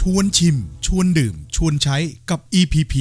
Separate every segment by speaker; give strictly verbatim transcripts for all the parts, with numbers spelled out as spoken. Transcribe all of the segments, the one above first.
Speaker 1: วนชิมชวนดื่มชวนใช้กับ อี พี พี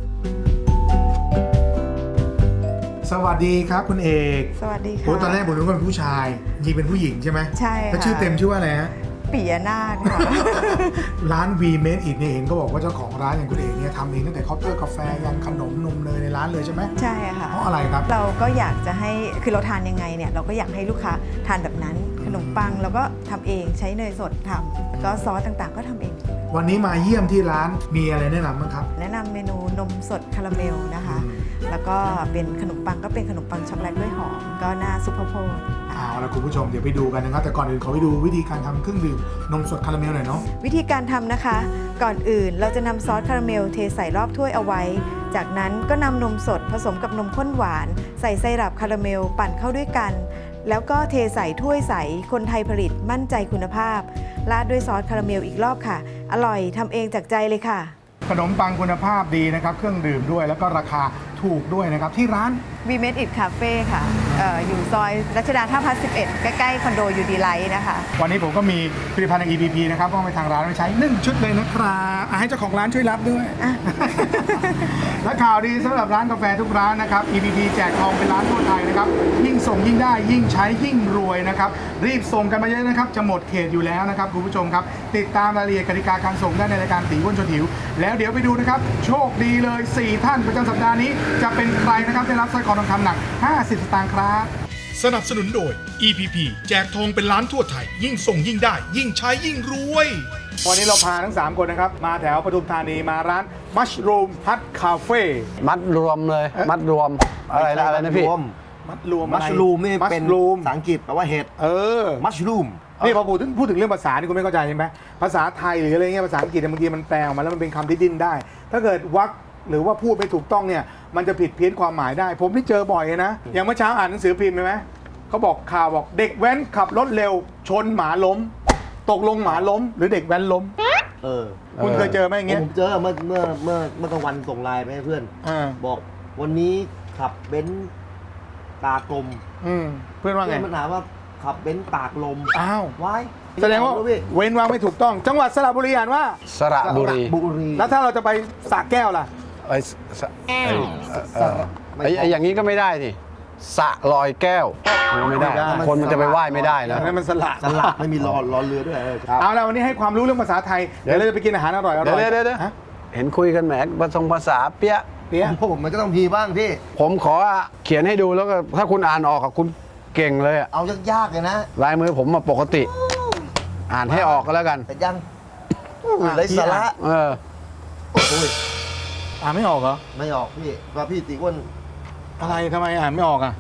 Speaker 2: สวัสดีครับคุณเอก
Speaker 3: สวัสดีค่ะ
Speaker 2: โอ้ตอนแรกผมนึกว่าเป็นผู้ชายจริงเป็นผู้หญิงใช่ไหม
Speaker 3: ใช่ค่ะ
Speaker 2: แล้วชื่อเต็มชื่อว่าอะไรฮะ
Speaker 3: ปิยนาถค่ะ
Speaker 2: ร้าน V Made It เนี่ยเห็นก็บอกว่าเจ้าของร้านอย่างคุณเอกเนี่ยทำเองตั้งแต่เคาน์เตอร์กาแฟยันขนมนมเนยในร้านเลยใช่ไหม
Speaker 3: ใช่ค่ะ
Speaker 2: เพราะอะไรครับ
Speaker 3: เราก็อยากจะให้คือเราทานยังไงเนี่ยเราก็อยากให้ลูกค้าทานแบบนั้นขนมปังเราก็ทำเองใช้เนยสดทำแล้วก็ซอสต่างๆ ก็ทำเอง
Speaker 2: วันนี้มาเยี่ยมที่ร้านมีอะไรแนะนำบ้างครับ
Speaker 3: แนะนำเมนูนมสดคาราเมลนะคะ
Speaker 2: อืม
Speaker 3: แล้วก็เป็นขนมปังก็เป็นขนมปังช็อกโกแลตกล้วยหอมก็หน้าซุปเปอร์โพด
Speaker 2: เอาละคุณผู้ชมเดี๋ยวไปดูกันนะครับแต่ก่อนอื่นขอไปดูวิธีการทำเครื่องดื่มนมสดคาราเมลหน่อยเนาะ
Speaker 3: วิธีการทำนะคะ ก่อนอื่นเราจะนำซอสคาราเมลเทใส่รอบถ้วยเอาไว้ จากนั้นก็นำนมสดผสมกับนมข้นหวานใส่ไซรัปคาราเมลปั่นเข้าด้วยกัน แล้วก็เทใส่ถ้วยใสคนไทยผลิตมั่นใจคุณภาพราดด้วยซอสคาราเมลอีกรอบค่ะ อร่อยทำเองจากใจเลยค่ะ
Speaker 2: ขนมปังคุณภาพดีนะครับเครื่องดื่มด้วยแล้วก็ราคาถูกด้วยนะครับที่ร้าน
Speaker 3: We Made It Cafe ค่ะเอ่ออยู่ซอยรัชดาท่าพระสิบเอ็ดใกล้ๆคอนโดยูดีไลท์นะคะ
Speaker 2: วันนี้ผมก็มีผลิตภัณฑ์ใน อี พี พี นะครับก็ไปทางร้านไปใช้หนึ่งชุดเลยนะครับอ่ะให้เจ้าของร้านช่วยรับด้วย และข่าวดีสำหรับร้านกาแฟทุกร้านนะครับ อี พี พี แจกทองเป็นร้านทั่วไทยนะครับยิ่งส่งยิ่งได้ยิ่งใช้ยิ่งรวยนะครับรีบส่งกันมาเยอะนะครับจะหมดเขตอยู่แล้วนะครับคุณผู้ชมครับติดตามรายละเอียดกติกาการส่งได้ในรายการตีอ้วนชวนหิวแล้วเดี๋ยวไปดูนะครับโชคดีเลยสี่ท่านประจำสัปดาห์นี้จะเป็นใครนะครับได้รับสร้อยคอทองคำหนักห้าสิบสตางค์ครับ
Speaker 1: สนับสนุนโดย อี พี พี แจกทองเป็นล้านทั่วไทย ยิ่งส่งยิ่งได้ ยิ่งใช้ยิ่งรวย
Speaker 2: วันนี้เราพาทั้งสามคนนะครับมาแถวปทุมธานีมาร้าน Mushroom Hut Cafe
Speaker 4: มัดรวมเลย มัดรวมอะไรนะอะไรนะพี่
Speaker 2: มัดรวม
Speaker 5: มัชรูมนี่เป็น
Speaker 2: Mushroom
Speaker 5: ภาษาอังกฤษแปลว่าเห็ด
Speaker 2: เออ
Speaker 5: มัชรูม
Speaker 2: นี่พอพูดถึงพูดถึงเรื่องภาษานี่คุณไม่เข้าใจใช่ไหมภาษาไทยหรืออะไรเงี้ยภาษาอังกฤษเนี่ยบางทีมันแปลออกมาแล้วมันเป็นคำที่ดิ้นได้ ถ้าเกิดวรรคหรือว่าพูดไม่ถูกต้องเนี่ยมันจะผิดเพี้ยนความหมายได้ ผมที่เจอบ่อยนะอย่างเมื่อเช้าอ่านหนังสือพิมพ์ใช่ไหมเขาบอกข่าวบอกเด็กแว้นขับรถเร็วชนหมาล้ม ตกลงหมาล้ม หรือเด็กแว้นล้ม
Speaker 5: เออ
Speaker 2: คุณเคยเจอไหมอย่างเงี้ย
Speaker 5: ผมเจอเมื่อเมื่อเมื่อเมื่อกลางวันส่งไลน์ไปให้เพื่อน
Speaker 2: อ่า
Speaker 5: บอกวันนี้ขับเบนซ์ตากลม
Speaker 2: อืมเพื่อนว่าไง
Speaker 5: เพื่อนมันถามว่าขับเบนซ์ตากลม
Speaker 2: อ้าว
Speaker 5: ว้าย
Speaker 2: แสดงว่า
Speaker 5: พี่
Speaker 2: เว้นวรรคไม่ถูกต้อง จังหวัดสระบุรีอ่านว่า
Speaker 4: สระบุรี
Speaker 5: บุรี
Speaker 2: แล้วถ้าเราจะไปสระแก้วล่ะ
Speaker 4: ไอ้สะไอ้เอ่อไอ้ไอ้อย่างนี้ก็ไม่ได้สิสระลอยแก้วไม่ได้ คนมันจะไปไหว้ไม่ได้นะ
Speaker 2: นั่นมันสละ
Speaker 5: สลับไม่มีรอรอเรือด้วยเออครับ
Speaker 2: เอาละวันนี้ให้ความรู้เรื่องภาษาไทย เดี๋ยวเราจะไปกินอาหารอร่อยอ
Speaker 4: เดี๋
Speaker 2: ร่
Speaker 4: ยว
Speaker 2: อย
Speaker 4: เดี๋ยวเดี๋ยว
Speaker 2: ฮะ
Speaker 4: เห็นคุยกันแหมภาษาภาษาเปี้ย
Speaker 2: เปี๊ยะ
Speaker 5: ผมมันก็ต้องมีบ้างพี่
Speaker 4: ผมขอเขียนให้ดูแล้วก็ถ้าคุณอ่านออกอะคุณเก่งเลยอะ
Speaker 5: เอายากๆเลยนะ
Speaker 4: ลายมือผมมาปกติ อ่านให้ออกก็แล้วกัน
Speaker 5: แต่ยังไรสาระ
Speaker 4: เออ
Speaker 5: โอ้ย
Speaker 2: อ่านไม่ออกเหรอ
Speaker 5: ไม่ออกพี่ว่าพี่ตีอ้วน
Speaker 2: อะไรทำไมอ่านไม่ออกอ่ะ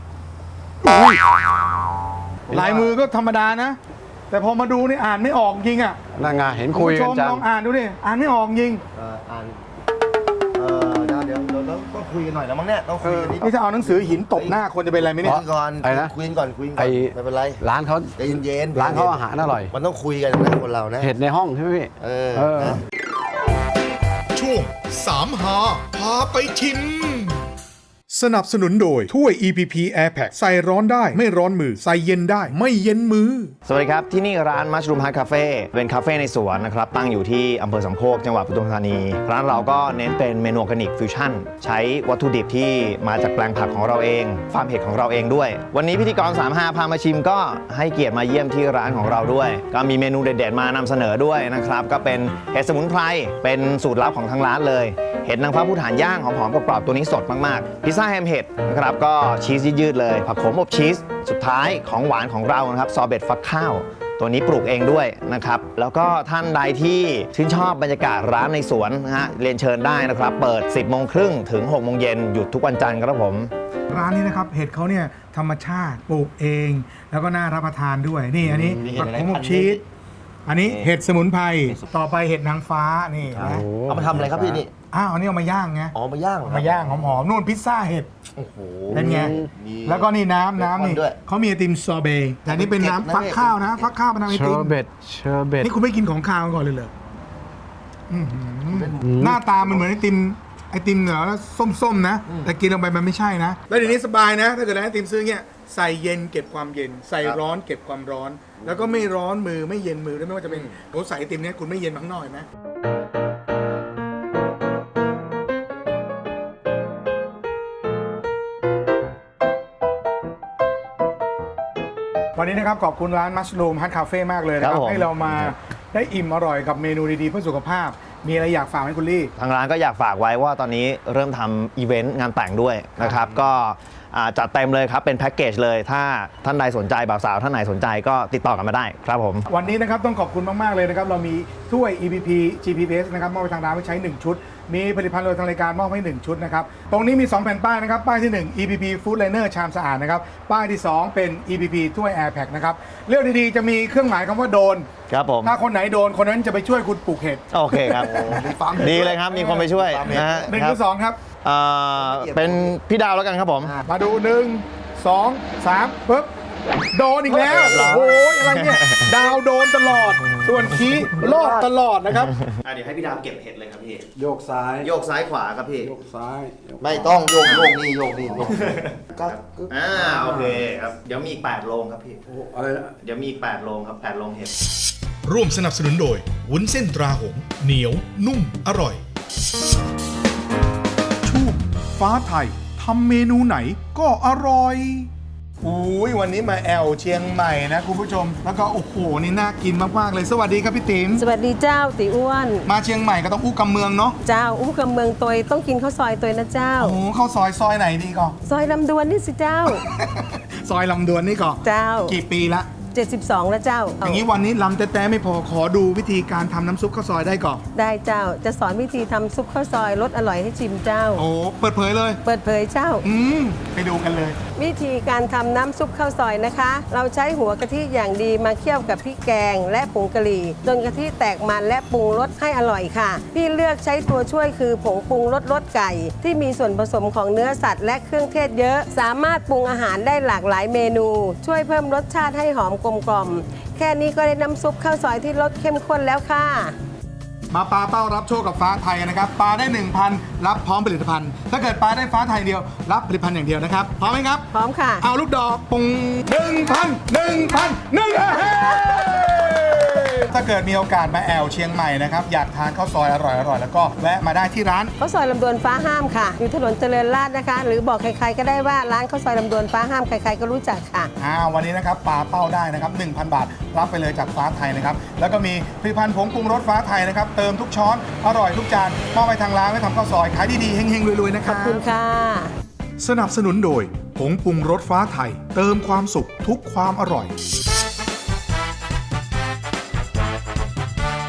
Speaker 2: ลายมือก็ธรรมดานะ แต่พอมาดูนี่อ่านไม่ออกจริงอ่ะ
Speaker 4: นั่นไงเห็นคุย
Speaker 2: ณผู้ช
Speaker 4: กัน
Speaker 2: ม
Speaker 4: จัง
Speaker 2: ลองอ่านดูดิอ่านไม่ออกจริง
Speaker 5: เอ่ออ่านเออเดี๋ยวเดี๋ยวเดี๋ยวเราต้องคุยกันหน่อยแล้วมั้งเนี่ยต้อง
Speaker 2: เอ
Speaker 5: คุย
Speaker 2: อ
Speaker 5: กันนิด
Speaker 2: นี่ถ้าเอาหนังสือหินตบหน้าคนจะเป็นอะไรไหมเนี่ย
Speaker 5: คุยก่อน
Speaker 4: ไอ้นะ
Speaker 5: คุยกันก่อนคุยกันก่
Speaker 4: ไอ้
Speaker 5: อนไม่เป็นไร
Speaker 4: ร้านเขา
Speaker 5: ใจเย็นๆ
Speaker 4: ร้านเขาอาหารอร่อย
Speaker 5: มันต้องคุยกันนะคนเรานะ
Speaker 4: เห็ดในห้องใช่ไหมพี่
Speaker 5: เออ
Speaker 4: เออ
Speaker 5: นะ
Speaker 1: ช่วงสามหาพาไปชิม สนับสนุนโดยถ้วย อี พี พี Air Pack ใส่ร้อนได้ไม่ร้อนมือ ใส่เย็นได้ไม่เย็นมือ
Speaker 6: สวัสดีครับ ที่นี่ร้าน Mushroom Hut Cafe เป็นคาเฟ่ในสวนนะครับ ตั้งอยู่ที่อำเภอสามโคกจังหวัดปทุมธานี ร้านเราก็เน้นเป็นเมนูออร์แกนิกฟิวชั่นใช้วัตถุดิบที่มาจากแปลงผักของเราเองฟาร์มเห็ดของเราเองด้วย วันนี้พิธีกรสามห้าพามาชิมก็ให้เกียรติมาเยี่ยมที่ร้านของเราด้วย ก็มีเมนูเด็ดๆมานำเสนอด้วยนะครับก็เป็นเห็ดสมุนไพรเป็นสูตรลับของทางร้านเลยเห็ดนางฟ้าภูฐานย่างหอมๆกรอบๆตัวนี้สดมากๆพิซซ่าแฮมเห็ดนะครับก็ชีสยืดๆเลยผักโขมอบชีสสุดท้ายของหวานของเรานะครับซอเบตฟักข้าวตัวนี้ปลูกเองด้วยนะครับแล้วก็ท่านใดที่ชื่นชอบบรรยากาศร้านในสวนนะฮะเรียนเชิญได้นะครับเปิด สิบโมงครึ่งถึงหกโมงเย็นหยุดทุกวันจันทร์ครับผม
Speaker 2: ร้านนี้นะครับเห็ดเขาเนี่ยธรรมชาติปลูกเอง แล้วก็น่ารับประทานด้วยนี่อันนี้
Speaker 5: มีเห็
Speaker 2: ผั
Speaker 5: ด
Speaker 2: ก
Speaker 5: อะไร
Speaker 2: ขม
Speaker 5: พันธุ์
Speaker 2: ชีสอันนี้
Speaker 5: นี่
Speaker 2: เห็ดสมุนไพรต่อไปเห็ดนางฟ้านี่นะ
Speaker 5: เอามาทำอะไรครับพี่นี่
Speaker 2: อ้าวอันนี้เอามาย่างไง
Speaker 5: อ๋อมาย่างเหรอ
Speaker 2: เอา
Speaker 5: ครับ
Speaker 2: มาย่างหอมๆนู่นพิซซ่าเห็ด
Speaker 5: โอ้โห
Speaker 2: เป็นไง
Speaker 5: มี
Speaker 2: แล้วก็นี่น้ำน้ำนี่
Speaker 5: เบคอนด้วย
Speaker 2: เขามีไอติมซอเบต์แต่นี่เป็นน้ำฟักข้าวนะ ฟักข้าวมาทำไอ
Speaker 4: เช
Speaker 2: ติ
Speaker 4: อ
Speaker 2: ม
Speaker 4: ร์เบตเชอร์เบต
Speaker 2: นี่คุณไม่กินของข้าวก่อนเลยเหรออื้อหือหน้าตามันเหมือนไอติมไอติมเหรอแล้วส้มๆนะ แต่กินลงไปมันไม่ใช่นะ แล้วเดี๋ยวนี้สบายนะ ถ้าเกิดร้านไอติมซื้อเงี้ยใส่เย็นเก็บความเย็น ใส่ร้อนเก็บความร้อน แล้วก็ไม่ร้อนมือไม่เย็นมือด้วยไม่ว่าจะเป็นโอ้ใส่ไอติมเนี้ยคุณไม่เย็นข้างนอกเห็นไหมวันนี้นะครับขอบคุณร้านมัชรูมฮัทคาเฟ่มากเลยนะค
Speaker 6: ครั
Speaker 2: รับบ
Speaker 6: ผม
Speaker 2: ให้เรามาได้อิ่มอร่อยกับเมนูดีๆเพื่อสุขภาพ มีอะไรอยากฝากไหมคุณลี่
Speaker 6: ทางร้านก็อยากฝากไว้ว่าตอนนี้เริ่มทำอีเวนต์งานแต่งด้วยนะครับก็อ่าจัดเต็มเลยครับเป็นแพ็กเกจเลยถ้าท่านใดสนใจบ่าวสาวท่านไหนสนใจก็ติดต่อกันมาได้ครับผม
Speaker 2: วันนี้นะครับต้องขอบคุณมาก ๆ เลยนะครับ เรามีถ้วย อี พี พี จี พี พี เอส นะครับมอบไปทางร้านไว้ใช้ หนึ่ง ชุด มีผลิตภัณฑ์โดยทางรายการมอบให้ หนึ่ง ชุดนะครับ ตรงนี้มี สอง แผ่นป้ายนะครับ ป้ายที่ หนึ่ง อี พี พี Food Liner ชามสะอาดนะครับ ป้ายที่ สอง เป็น อี พี พี ถ้วย Air Pack นะครับ เลือกดี ๆ จะมีเครื่องหมายคำว่าโดน
Speaker 6: ครับผม
Speaker 2: ถ้าคนไหนโดนคนนั้นจะไปช่วยคุณปลูกเห็ด
Speaker 6: โอเคครับ ดีเลยครับมีคนไปช่วยนะฮะ
Speaker 2: หนึ่ง
Speaker 6: ค
Speaker 2: ห
Speaker 6: รั
Speaker 2: รือสองครับ
Speaker 6: เอ่อเป็นพี่ดาวแล้วกันครับผม
Speaker 2: มาดูหนึ่งสองสามปึ๊บโดนอีกแล้ว
Speaker 6: เรียบร้อย
Speaker 2: โอ้ยอะไรเนี่ยดาวโดนตลอด ส่วนคีรอดตลอดนะครับ
Speaker 6: เดี๋ยวให้พี่ดาวเก็บเห็ดเลยครับพี่
Speaker 5: โยกซ้าย
Speaker 6: โยกซ้ายขวาครับพี่
Speaker 5: โยกซ้าย
Speaker 7: ไม่ต้องโยกโยกนี่โยกนี่โยกก็ก็
Speaker 6: อ่าโอเคครับเดี๋ยวมีอีกแปดโลงครับพี่
Speaker 5: โอ้อะไรนะ
Speaker 6: เดี๋ยวมีอีกแปดโลงครับแปดโลงเห็ด
Speaker 1: ร่วมสนับสนุนโดยวุ้นเส้นตราหงส์เหนียว นุ่ม อร่อย ช่วงฟ้าไทยทำเมนูไหนก็อร่อย
Speaker 2: อุ้ยวันนี้มาแอลเชียงใหม่นะคุณผู้ชม แล้วก็โอ้โหนี่น่ากินมากๆเลยสวัสดีครับพี่ติ๋ม
Speaker 8: สวัสดีเจ้าติอ้วน
Speaker 2: มาเชียงใหม่ก็ต้องอู้กำเมืองเนาะ
Speaker 8: เจ้าอู้กับเมืองตยต้องกินข้าวซอยตยนะเจ้า
Speaker 2: โอ้โหเข้าซอยซอยไหนดีก่อน
Speaker 8: ซอยลำดวนนี่สิเจ้า
Speaker 2: ซอยลำดวนนี่ก่อน
Speaker 8: เจ้า
Speaker 2: กี่ปีละ
Speaker 8: เจ็ดสิบสองแล้วเจ้า
Speaker 2: อย่างนี้วันนี้ลำแต่ๆไม่พอขอดูวิธีการทำน้ำซุปข้าวซอยได้ก่อน
Speaker 8: ได้เจ้าจะสอนวิธีทำซุปข้าวซอยรสอร่อยให้ชิมเจ้า
Speaker 2: โอ้เปิดเผยเลย
Speaker 8: เปิดเผยเจ้า
Speaker 2: อืมไปดูกันเลย
Speaker 8: วิธีการทำน้ำซุปข้าวซอยนะคะ เราใช้หัวกะทิอย่างดีมาเคี่ยวกับพริกแกงและผงกะหรี่จนกะทิแตกมันและปรุงรสให้อร่อยค่ะ พี่เลือกใช้ตัวช่วยคือผงปรุงรสรสไก่ ที่มีส่วนผสมของเนื้อสัตว์และเครื่องเทศเยอะ สามารถปรุงอาหารได้หลากหลายเมนู ช่วยเพิ่มรสชาติให้หอมกลมกล่อมแค่นี้ก็ได้น้ำซุปข้าวซอยที่รสเข้มข้นแล้วค่ะ
Speaker 2: มาปลาเป้ารับโชคกับฟ้าไทยนะครับปลาได้ หนึ่งพัน รับพร้อมผลิตภัณฑ์ ถ้าเกิดปลาได้ฟ้าไทยเดียวรับผลิตภัณฑ์อย่างเดียวนะครับพร้อมไหมครับ
Speaker 8: พร้อมค่ะ
Speaker 2: เอาลูกดอกปุงหนึ่งพันหนึ่งพันหนึ่งถ้าเกิดมีโอกาสมาแอลเชียงใหม่นะครับอยากทานข้าวซอยอร่อยๆแล้วก็แวะมาได้ที่ร้าน
Speaker 8: ข้าวซอยลำดวนฟ้าห้ามค่ะ อยู่ถนนเจริญราษฎร์นะคะ หรือบอกใครๆก็ได้ว่าร้านข้าวซอยลำดวนฟ้าห้ามใครๆก็รู้จักค่ะ
Speaker 2: อ่าวันนี้นะครับปลาเป้าได้นะครับ หนึ่งพัน บาท รับไปเลยจากฟ้าไทยนะครับแล้วก็มีผลิตภัณฑ์ผงปรุงรสฟ้าไทยนะครับเติมทุกช้อนอร่อยทุกจานมอบไปทางร้านไว้ทำข้าวซอยขายดีๆเฮงๆรวยๆนะค
Speaker 8: ข
Speaker 2: รั
Speaker 8: อ
Speaker 2: บบ
Speaker 8: คุณค่ะ
Speaker 1: สนับสนุนโดยผงปรุงรสฟ้าไทย เติมความสุขทุกความอร่อย